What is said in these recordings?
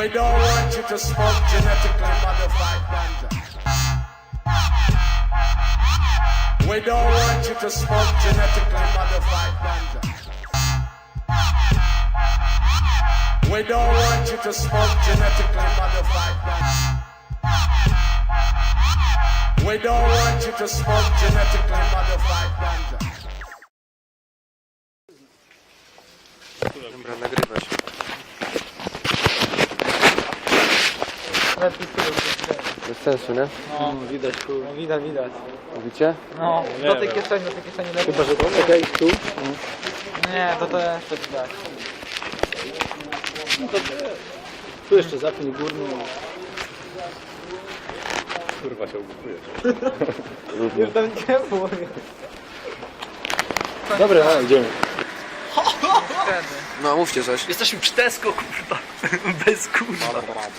We don't want you to smoke genetically modified ganja. We don't want you to smoke genetically modified ganja. We don't want you to smoke genetically modified ganja. We don't want you to smoke genetically modified ganja. Dobra, nagrywać. Bez sensu, nie? No, widać, kurwa. Widać. Mówicie? No, do tej kieszeni lepiej. Chyba, że to czekaj, tu? Nie, to jest tak widać. No to tu jeszcze zapnij górny. Kurwa się ugotujesz. Już tam nie było. Dobra, idziemy. No, mówcie coś. Jesteśmy przy Tesco, kurwa. Bez kurwa.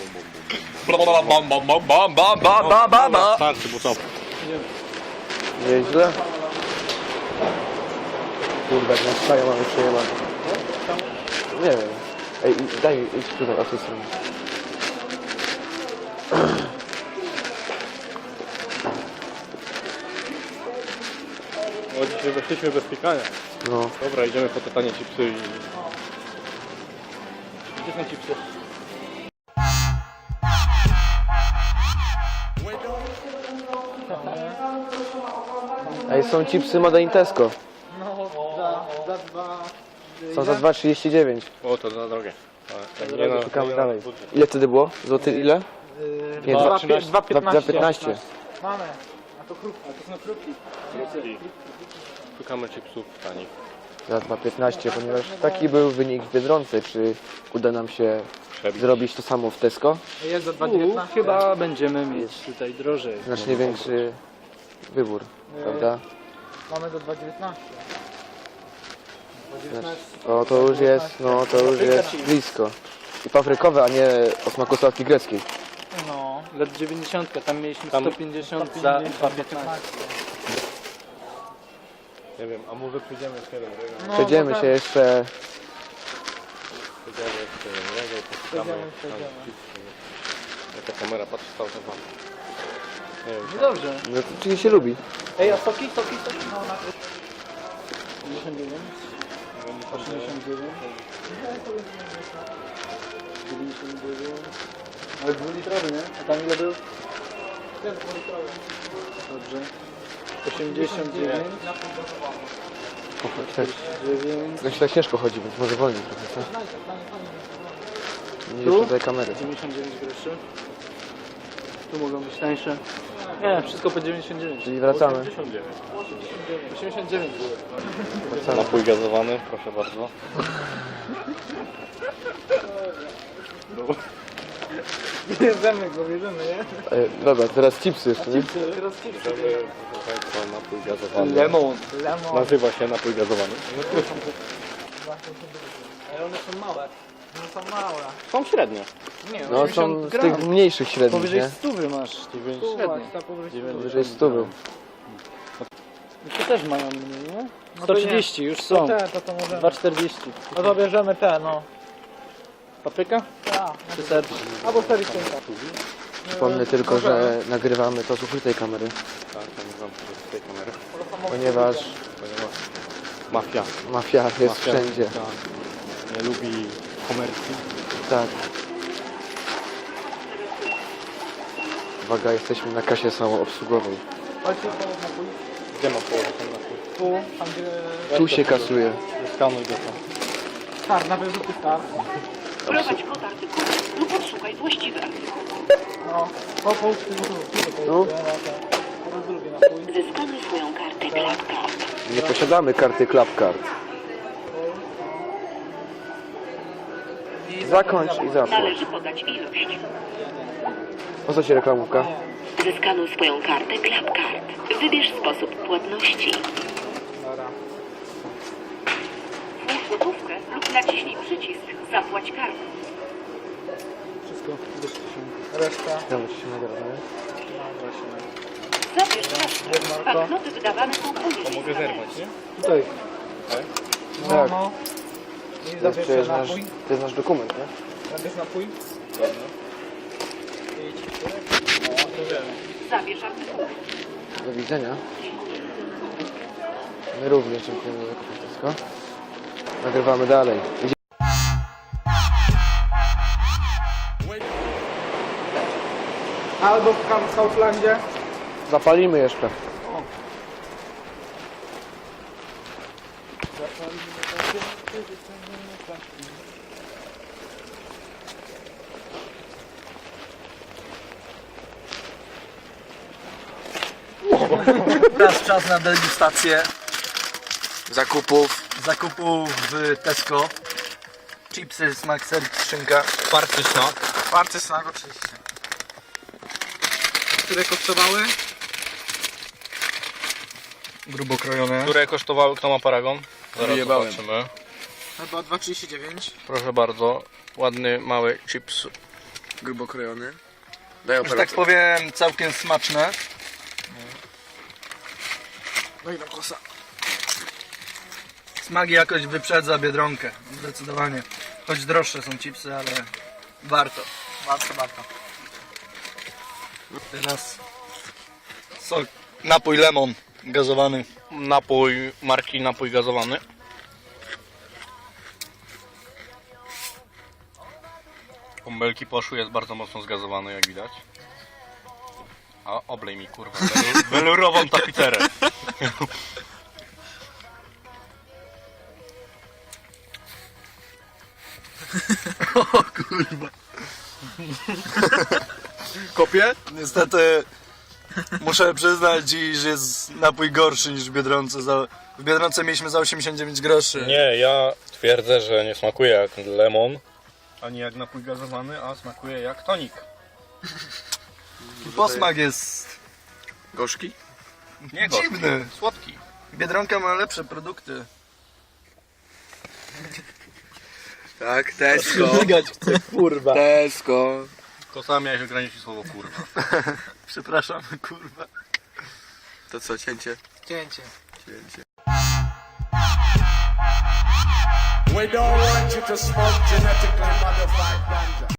Starczy, bo co? Nieźle. Kurwa, jak na szpaję mamy przejebane. Nie wiem. Ej, idź tutaj, o tej stronie. O, dzisiaj weszliśmy bez pikania. No. Dobra, idziemy po te tanie chipsy i... Gdzie są chipsy? Ej, są chipsy Made in Tesco. No, za dwa. Są za 2,39. O, to za drogie. Ale nie no, Szukamy dalej. Ile wtedy było? Złoty ile? Nie, 2,15. Mamy. A to krówki. A to są krówki. Szukamy chipsów tanich. Za 2,15, ponieważ taki był wynik w Biedronce. Czy uda nam się Przebić. zrobić to samo w Tesco? Jest za 2,19. Chyba będziemy mieć tutaj drożej. Znacznie większy wybór, prawda? Mamy do 2,19. O, to już jest, no to już jest blisko. I paprykowe, a nie o smaku sałatki greckiej. No. Lat 90, tam mieliśmy Tam- 150 za 2,15. Nie wiem, a może przyjdziemy jeszcze jeden regał? No, Przejdziemy się jeszcze. Przyjdziemy jeszcze jeden regał, poszukamy Przejdziemy. tam chipsy. Jaka kamera patrzy cały czas wam. Nie wiem, No dobrze. No, to czyli się lubi. Ej, a soki? No, na 59. 89. 99. Ale 2-litrowy, nie? A tam ile był? Ten 2-litrowy. Dobrze. 89. 9. No się tak ciężko chodzi, więc może wolniej trochę, co? Nie Tu? jest tutaj kamery. 99 groszy. Tu mogą być tańsze. Nie, wszystko po 99. Czyli wracamy. 89 było. Wracamy. napój gazowany, proszę bardzo. Bierzemy go, nie? Dobra, teraz chipsy jeszcze, nie? Teraz chipsy. Bierzemy, proszę państwa, napój gazowany. Lemon. Nazywa się napój gazowany. Ale one są małe. One są małe. Są średnie. Nie, No są z tych mniejszych średnich, Powyżej nie? 100 masz. Średnie. Powyżej 100 był. To też mają mniej, nie? No to 130 już są. To możemy. 2,40. No to bierzemy te, no. Papryka? Tak. Czy serce? Albo sericynka. Przypomnę tylko, że nagrywamy to z ukrytej kamery, Tak, to nie znam z tej kamery. ponieważ Mafia. mafia jest Mafia, wszędzie. Tak. Nie lubi komercji. Tak. Uwaga, jesteśmy na kasie samoobsługowej. Chodźcie po napój. Gdzie ma położyć ten napój? Tu, tam gdzie... Tu się kasuje. Skanuj go tam. Tak, na wyrzuty tak. Prowadź kod artykułu lub odszukaj właściwy artykuł. No. Po No. Teraz drugi napój. Zeskanuj swoją kartę ClapCard. Nie posiadamy karty ClapCard. Zakończ i zapłać. Należy podać ilość. Po co ci reklamówka? Zeskanuj swoją kartę ClapCard. Wybierz sposób płatności. Dobra. Włóż gotówkę lub naciśnij przycisk Zapłać kartą. Wszystko. Bierzcie się. Reszta. Znowu ci się nagra, nie? Zabierz resztę. Banknoty wydawane są poniżej Mogę skanerów. zerwać, nie? Tutaj. Tak. No. I To jest zabierz przecież nasz, napój. to jest nasz dokument, nie? Zabierz napój. Zabierz artykuły. Do widzenia. My również dziękujemy za wszystko. Nagrywamy dalej. Albo w Kauflandzie. Zapalimy jeszcze. Teraz czas na degustację Zakupów. zakupów w Tesco. Chipsy, smak, ser, szynka. Party smak. Party smak oczywiście. Które kosztowały? Grubo krojone. Które kosztowały, kto ma paragon? Zaraz Wyjebałem. zobaczymy. Chyba 2,39. Proszę bardzo. Ładny, mały chips. Grubo krojony. Daj Że tak powiem, całkiem smaczne. No i na kosa. Smak i jakość wyprzedza Biedronkę. Zdecydowanie. Choć droższe są chipsy, ale warto. Warto. Teraz sok, napój lemon gazowany. Napój marki napój gazowany. Bąbelki poszły, jest bardzo mocno zgazowany, jak widać. A oblej mi kurwa welurową tapicerę. Kopię? Niestety muszę przyznać dziś, że jest napój gorszy niż w Biedronce. W Biedronce mieliśmy za 89 groszy. Nie, ja twierdzę, że nie smakuje jak lemon, ani jak napój gazowany, a smakuje jak tonik. Posmak jest Gorzki? Nie gorzki, dziwny. słodki. Biedronka ma lepsze produkty. Tak, Tesco. Biegać chcę, kurwa. Tesco. Tylko sam miałeś ograniczyć słowo kurwa. Przepraszam, kurwa. To co, cięcie? Cięcie. Cięcie. We don't want you to smoke genetically modified ganja.